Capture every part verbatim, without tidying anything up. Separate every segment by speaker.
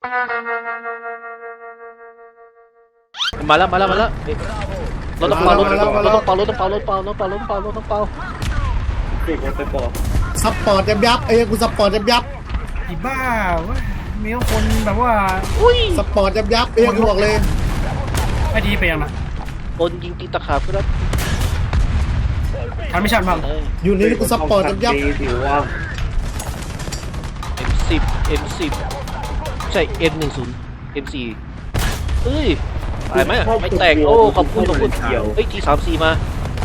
Speaker 1: มาแล้วมาแล้วมาแล้วรถต้องเป่ารถต้องเป่ารถต้องเป่ารถต้องเป่ารถต้องเป่ารถต้องเป่ารถต้องเป่ารถต้องเป่า
Speaker 2: ซัพพอร์ตยับยับเอ้ยกูซัพพอร์ตยับยับ
Speaker 3: อีบ้าเว้ยมีคนแบบว่า
Speaker 2: ซัพพอร์ตยับยับเอ้ยกูบอกเลย
Speaker 3: ไอ้ดีไปยังนะ
Speaker 1: คนยิงตีตะขาบครับ
Speaker 3: ทำไม่ชัดมั้ง
Speaker 2: อยู่นี่กูซัพพอร์ตยับยับ
Speaker 1: เอ็ม สิบ เอ็ม สิบใช่ เอ็ม หนึ่งสิบ เอ็ม สี่เอ้ยตายไหมไม่แตกโอ้ขอบคุณขอบคุณเฮ้ยทีสามสี่มา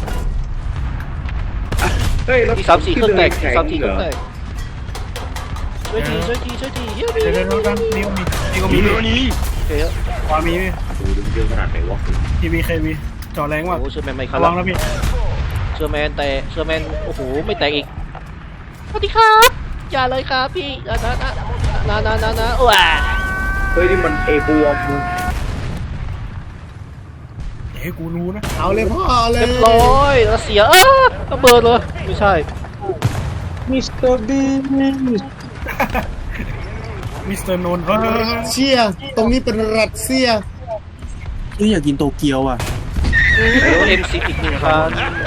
Speaker 1: ทีสามสี่เครื่องแตกทีสามสี่เครื่องแตกช่วยทีช่วยทีช่วยทีเฮ้ย
Speaker 3: เดี๋ยวเดี๋ยวกันนี่ก็มีนี่ก็มีนี่
Speaker 1: โอเคครับ
Speaker 3: ความมี
Speaker 4: ดูดึงเยอะขนาดไหนวะ
Speaker 3: ทีวีเควีจอแรงว่ะ
Speaker 1: โอ้เชอร์แมนไม่เข้า
Speaker 3: ระวังนะพี่
Speaker 1: เชอร์แมนแต่เชอร์แมนโอ้โหไม่แตกอีกสวัสดีครับอย่าเลยครับพี่นะนะนะนะนะนะว้า
Speaker 4: เฮ้ยนี่มันเอบัวมึง
Speaker 3: เฮ้ยกูรู้นะ
Speaker 2: เอาเลยพ่อเลย
Speaker 1: เรียบร้อยรัสเซียเออระเบิดเลยไม่ใช่
Speaker 2: มิสเตอร์บี
Speaker 3: มิสเตอร์นนท์
Speaker 2: รัสเซียตรงนี้เป็นรัสเซีย
Speaker 5: นี่อยากกินโตเกียวอ่ะ
Speaker 1: เดี๋ยวเอ็มซีอีกหนึ่งคัน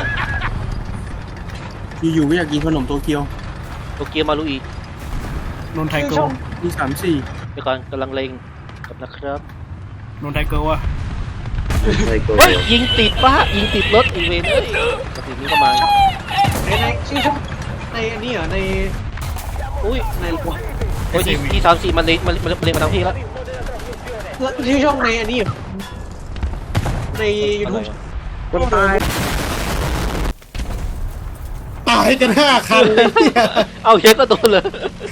Speaker 5: อยู่ๆก็อยากกินขนมโตเกียว
Speaker 1: โตเกียวมาลุย
Speaker 3: นนไทเกิล
Speaker 5: มีสามสี่
Speaker 1: เดี๋ยวก่อนกำลังเล็งกับนะครับ
Speaker 3: นนไทเกิลอ่ะ
Speaker 1: เฮ้ยยิงติดปะยิงติดรถอีเวนต์กระถิ่นนี้ก็มา
Speaker 6: ในในชื่อช่องในอันนี้เหรอใน
Speaker 1: อุ้ยในโอ้ยที่สามสี่มันเลยมันมันเลยมาทางพี่แล้ว
Speaker 6: ชื่อช่องในอันนี้เหรอในยูทูบ
Speaker 4: คนตาย
Speaker 2: ตายกันห้าคันเลย
Speaker 1: เอาเชฟก็โดนเลย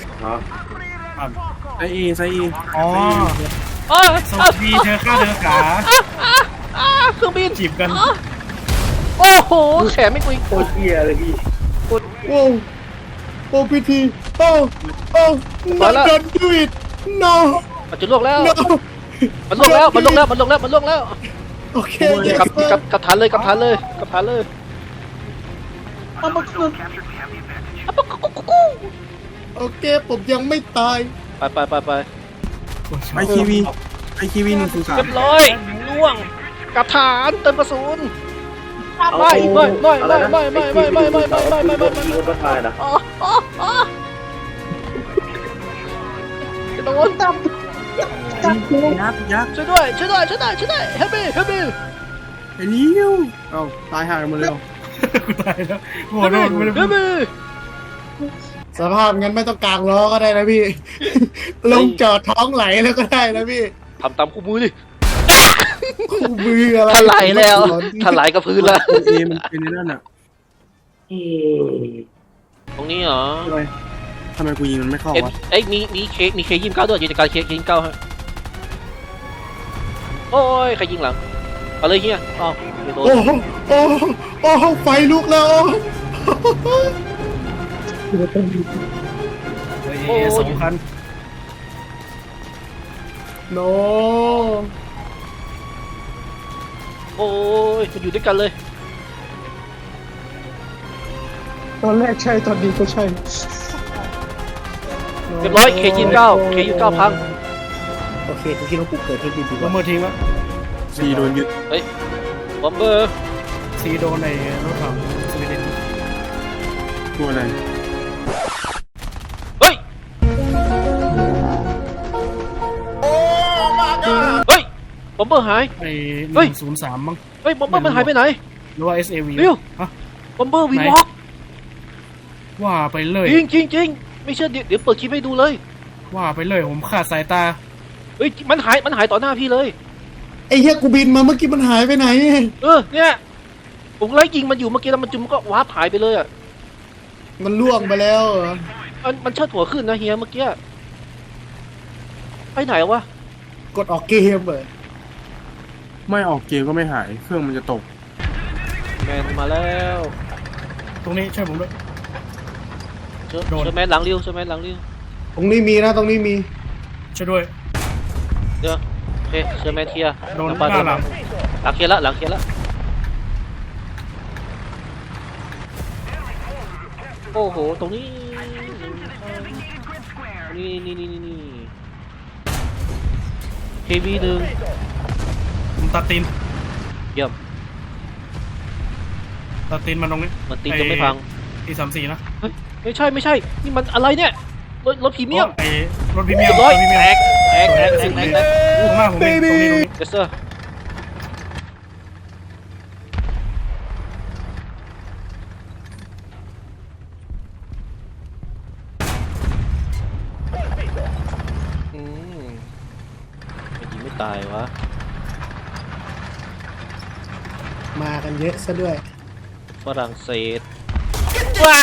Speaker 5: ไซเอไซเอ
Speaker 3: อ๋อสวัสดีเธอข้าเธอขา
Speaker 1: เครื่องบิน
Speaker 3: จีบกัน
Speaker 1: โอ้โหแขนไม่กุย
Speaker 4: โคตรเหี้ยเลยพี่
Speaker 2: โอ้โอ้พิธีโอ้โอ้ not don't do it no
Speaker 1: มันจะลวกแล้วมันลวกแล้วมันลวกแล้วมันลวกแล้วมันลวกแล้ว
Speaker 2: โอเค
Speaker 1: กับกับกับฐานเลยกับฐานเลยกับฐานเลย
Speaker 2: โอเคผมยังไม่ตาย
Speaker 1: ไปไปไปไป
Speaker 5: ไอคีวีไอคีวีหนึ่งศูนย์สาม
Speaker 1: เรียบร้อยล่วงกับฐานเติมกระสุนไม่ไม่ไม่ไม่ไม่ไม่ไม่ไม่ไม่ไม่ไม่ไม่ไม่ไม่
Speaker 4: ไม่ไม่ไม่นะ
Speaker 1: จะโดนตำ
Speaker 5: ยักษ์ยักษ์
Speaker 1: ช่วยด้วยช่วยด้วยช่วยด้วยช่วยด้วยเฮบี้เฮบี้
Speaker 5: ไอ้ลิ้วเอ้าตายห่างหมดเลย
Speaker 3: ตายแล้วหัวโดนเฮบี้
Speaker 2: สภาพงั้นไม่ต้องกางล้อก็ได้นะพี่ลงจอดท้องไหลแล้วก็ได้นะพี่
Speaker 1: ทำตามคู่มือดิ
Speaker 2: คู่มืออะไร
Speaker 1: ถลายแล้วถลายกับพื้นแล้ว
Speaker 5: เอมันเป็นในนั่นอ่ะ
Speaker 1: ตรงนี้เหรอ
Speaker 5: ทำไมกูยิงมันไม่เข้าวะ
Speaker 1: เอ้ยมีมีเคมีเคยิงเก้าด้วยกิจการเคยิงเก้าฮะโอ้ยใครยิงหลังเอาเลยเฮียอ๋อ
Speaker 2: โอ้โอ้โอ้ไฟลุกแล้ว
Speaker 3: โอ้สองคัน
Speaker 2: โน
Speaker 1: โอ้ยมันอยู่ด้วยกันเลย
Speaker 2: ตอนแรกใช่ตอนนี้ก็ใช่
Speaker 1: เรียบร้อยเคยิงเก้าเคยิงเก้าพัง
Speaker 2: โอเคกูคิดว่ากูเกิดที่ดีดีก
Speaker 3: ว่าเมื่อทิ้งแล้ว
Speaker 5: ซีโดนยึด
Speaker 1: เฮ้ยบอมเบอร์
Speaker 3: ซีโดนในรถถังสวีเดน
Speaker 5: ตัวอะไร
Speaker 1: เฮ้ยเฮ้ยบอมเบอร์หาย
Speaker 3: ไอ้หนึ่งศูนย์สามมั้ง
Speaker 1: เฮ้ยบอมเบอร์มันหายไปไหน
Speaker 3: หรือว่า เอส เอ วี
Speaker 1: วิวฮะบอมเบอร์วีวอล์ก
Speaker 3: ว่าไปเลย
Speaker 1: จริงจริงจริงไม่เชื่อเดี๋ยวเปิดคลิปให้ดูเลย
Speaker 3: ว่าไปเลยผมขาดสายตา
Speaker 1: เฮ้ยมันหายมันหายต่อหน้าพี่เลย
Speaker 2: ไอ้เหี้ยกูบินมาเมื่อกี้มันหายไปไหน
Speaker 1: เออเนี่ยผมไล่ยิงมันอยู่เมื่อกี้แล้วมันจุ่มก็วาร์ปหายไปเลยอ่ะ
Speaker 2: มันล่วงไปแล้ว
Speaker 1: มันมันเชิดหัวขึ้นนะเฮียเมื่อกี้ไปไหนวะ
Speaker 2: กดออกเกมเลย
Speaker 5: ไม่ออกเกมก็ไม่หายเครื่องมันจะตก
Speaker 1: แมนมาแล้ว
Speaker 3: ตรงนี้ช่วยผมด้วย
Speaker 1: เชิญแมนหลังเลี้ยวเชิญแมนหลังเลี้ยว
Speaker 2: ตรงนี้มีนะตรงนี้มี
Speaker 3: ช่วยด้วย
Speaker 1: เดี๋ยวโอเคเชิญแมนเคลียร์
Speaker 3: โดนหน้าหลัง
Speaker 1: หลังเคลียร์ละหลังเคลียร์ละโอ้โหตรงนี้นี่นี่นี่นี่วีหนึ่ง
Speaker 3: ผมตัดตีน
Speaker 1: เยี่ยม
Speaker 3: ตัดตีนมันตรงนี้
Speaker 1: มันตีจะไม่พัง
Speaker 3: ทีสามสี่นะ
Speaker 1: เฮ้ยไม่ใช่ไม่ใช่นี่มันอะไรเนี่ยรถรถพรีเมียม
Speaker 3: ไอ้รถพรีเมีย
Speaker 1: เรี
Speaker 3: ม
Speaker 1: ยบร้อย
Speaker 3: รถพรีเมีย
Speaker 1: แต
Speaker 3: ม
Speaker 1: กแตกแตกแตกแตกแตก
Speaker 3: ตรงหน้าผมเองตรงนี้ตรงนี้
Speaker 1: เจสเตอร์อืมไม่ยิงไม่ตายวะ
Speaker 2: มากันเยอะซะด้วย
Speaker 1: ฝรั่งเศสว้า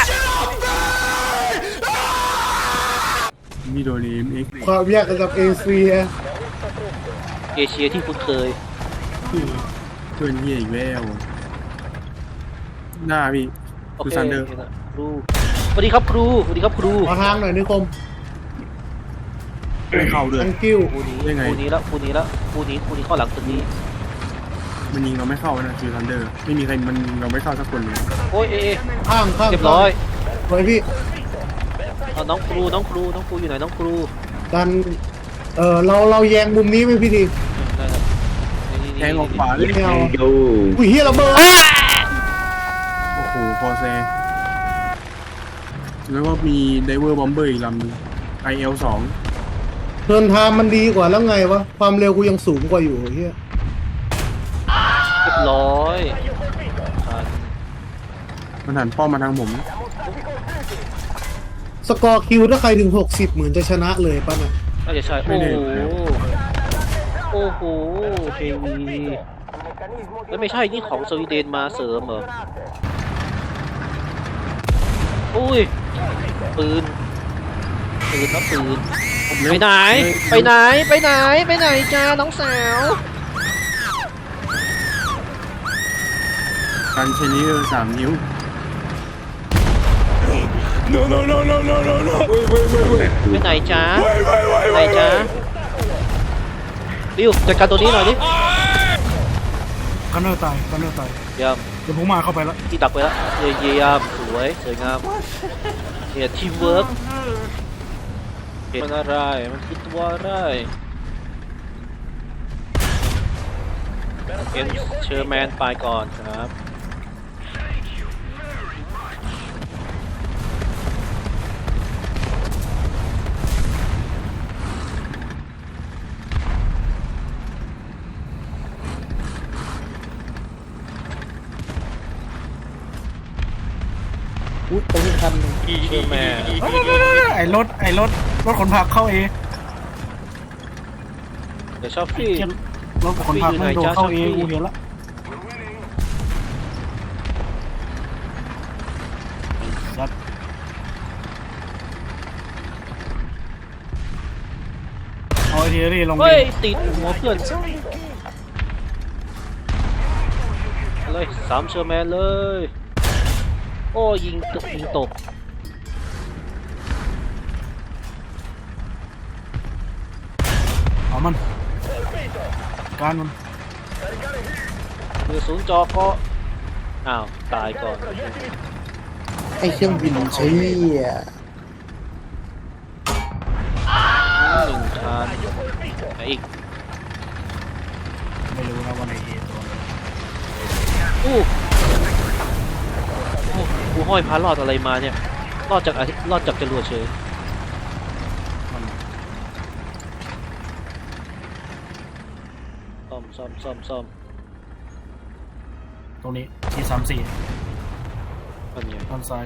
Speaker 5: มีโดนีมเอ็ก
Speaker 2: ความยากระดับเอเชีย
Speaker 1: เอเชียที่คุ้นเคย
Speaker 5: เพื่อนเฮียอีกแล้วหน้าพี่
Speaker 1: โอ
Speaker 5: คือ
Speaker 1: เค
Speaker 5: ซันเดอร์
Speaker 1: ครูสวัสดีครับครูสวัสดีครับครู
Speaker 2: ขอทางหน่อยนิคม
Speaker 5: ไม่เข้าด้วย
Speaker 2: ทังกิ้ว
Speaker 1: ครูนี้
Speaker 5: ยังไง
Speaker 1: ครูนี้แล้วครูนี้แล้วครูนี้ครูนี้เข้าหลังตึกนี้
Speaker 5: มันยิงเราไม่เข้านะคือซันเดอร์ไม่มีใครมันยิงเราไม่เข้าสักคนเลย
Speaker 1: โอ้ยเอเอ
Speaker 2: ข้างข้าง
Speaker 1: เรียบร้อย
Speaker 2: ไว้พี่
Speaker 1: เอาน้องครูน้องครูน้องครูอยู่ไหนน้องครู
Speaker 2: ดันเออเราเราแยงมุมนี้ไหมพี่ที
Speaker 1: ได้ครับนี่ๆๆ
Speaker 5: แทงออกขวาเลย
Speaker 2: ไม่เอา
Speaker 4: ดู
Speaker 2: อุ้ยเฮียระเบิด
Speaker 5: โอ้โหพอแซแล้วก็มีไดเวอร์บอมเบอร์อีกลำหนึง ไอ แอล สอง
Speaker 2: เทิร์นไทม์มันดีกว่าแล้วไงวะความเร็วกูยังสูงกว่าอยู่เฮีย
Speaker 1: เรียบร้อยผ่าน
Speaker 5: มันหันป้อมมาทางผม
Speaker 2: สกอร์คิวถ้าใครถึงหกสิบเหมือนจะชนะเลยป่ะน่ะ
Speaker 1: น่าจะใช่
Speaker 5: ไม่
Speaker 1: โอ้
Speaker 5: แน่
Speaker 1: โหโอ้โหเทวีแล้วไม่ใช่นี่ของสวีเดนมาเสริมเหรออุ้ยปืนปืนนะปืนไปไหนไปไหนไปไหนไปไหนจ้าน้องสาว
Speaker 5: การใช้นิ้วสามนิ้ว
Speaker 1: ไปไหนจ้าไปไหนจ้าดิวจัดการตัวนี้หน่อยดิ
Speaker 3: กันเนอร์ตายกันเนอร์ตาย
Speaker 1: เยี่ยม
Speaker 3: เดี๋ยวผมมาเข้าไปแล้ว
Speaker 1: ที่ดักไปแล้วเยี่ยมเยี่ยมสวยสวยงามเนี่ยทีมเวิร์กมันอะไรมันคือตัวอะไรเอ็นเชอร์แมนไปก่อนครับเชอร์แมน
Speaker 3: ไอ้รถไอ้รถรถขนผักเข้าเอ
Speaker 1: เดี๋ยวชอบฟี่
Speaker 3: รถขนผักมันโดนเข้าเอกูเห็นละสัตว์เอาไอเทียรี่ลงดิ
Speaker 1: เฮ้ยติดหัวเพื่อนเลยสามเชอร์แมนเลยโอ้ยิงตกยิงตก
Speaker 3: เอามันการมัน
Speaker 1: มือศูนย์จอก็อ้าวตายก่อน
Speaker 2: ไอเครื่องบินเชี่ย
Speaker 1: หนึ่งชานไหนอีก
Speaker 3: ไม่รู้นะว่าในเอตัว
Speaker 1: อู้โอ้กูห้อยพารอดอะไรมาเนี่ยรอดจากอาทิตย์รอดจากจรวดเฉย
Speaker 3: มัน
Speaker 1: ซ่อมซ่อมซ่อมซ่อม
Speaker 3: ตรงนี้ทีสามสี่
Speaker 1: อันนี้
Speaker 3: ด้านซ้าย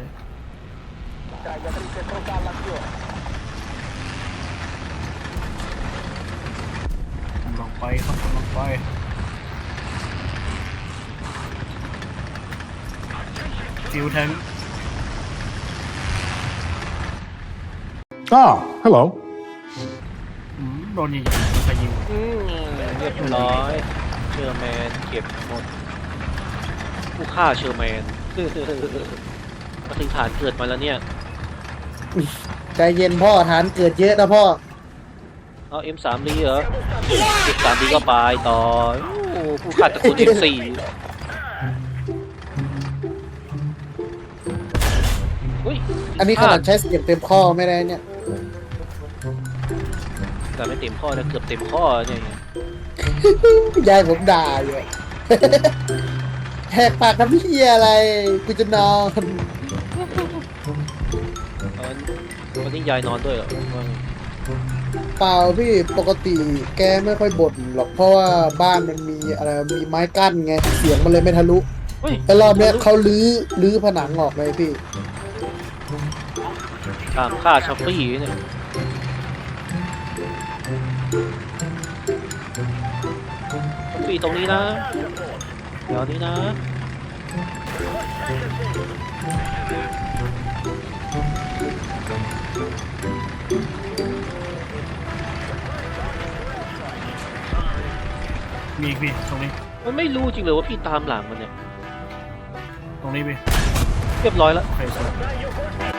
Speaker 3: ผมลงไปครับผมลงไปฟิวแทง
Speaker 7: Ah, hello.
Speaker 3: อืมโดนยิงใครยิง
Speaker 1: อืมเรียบร้อยเชอร์แมนเก็บหมดผู้ฆ่าเชอร์แมน มาถึงฐานเกิดมาแล้วเนี่ย
Speaker 2: ใจเย็นพ่อฐานเกิดเยอะนะพ่อ
Speaker 1: เอา เอ็ม สาม ดีเหรอ เอ็ม สาม ดีก็ไปต่อโอ้ผู้ฆ่าตระกูล เอ็ม สี่ อุ้ย
Speaker 2: อันนี้ขนาดใช้เสียงเต็มข้อไม่ได้เนี่ย
Speaker 1: แต่ไม่เต็มข้อนะเกือบเต็มข้อเนี่ย
Speaker 2: ยายผมด่าอยู่ แหกปากทำพี่อะไรกูจะนอน
Speaker 1: วันนี้ยายนอนด้วยเหรอ
Speaker 2: เปล่าพี่ปกติแกไม่ค่อยบ่นหรอกเพราะว่าบ้านมันมีอะไรมีไม้กั้นไงเสียงมันเลยไม่ทะลุ
Speaker 1: เฮ้ย
Speaker 2: แต่รอบเนี้ยเขาลื้อลื้อผนังออกเลยพี่
Speaker 1: ตามค่าช้อปปี้เนี่ยช้อปปี้ตรงนี้นะเดี๋ยวนี้นะ
Speaker 3: มีอีกพี่ตรงนี้
Speaker 1: มันไม่รู้จริงเลยว่าพี่ตามหลังมันเนี่ย
Speaker 3: ตรงนี้พี่
Speaker 1: เรียบร้อยแล้ว
Speaker 3: โอเคสวย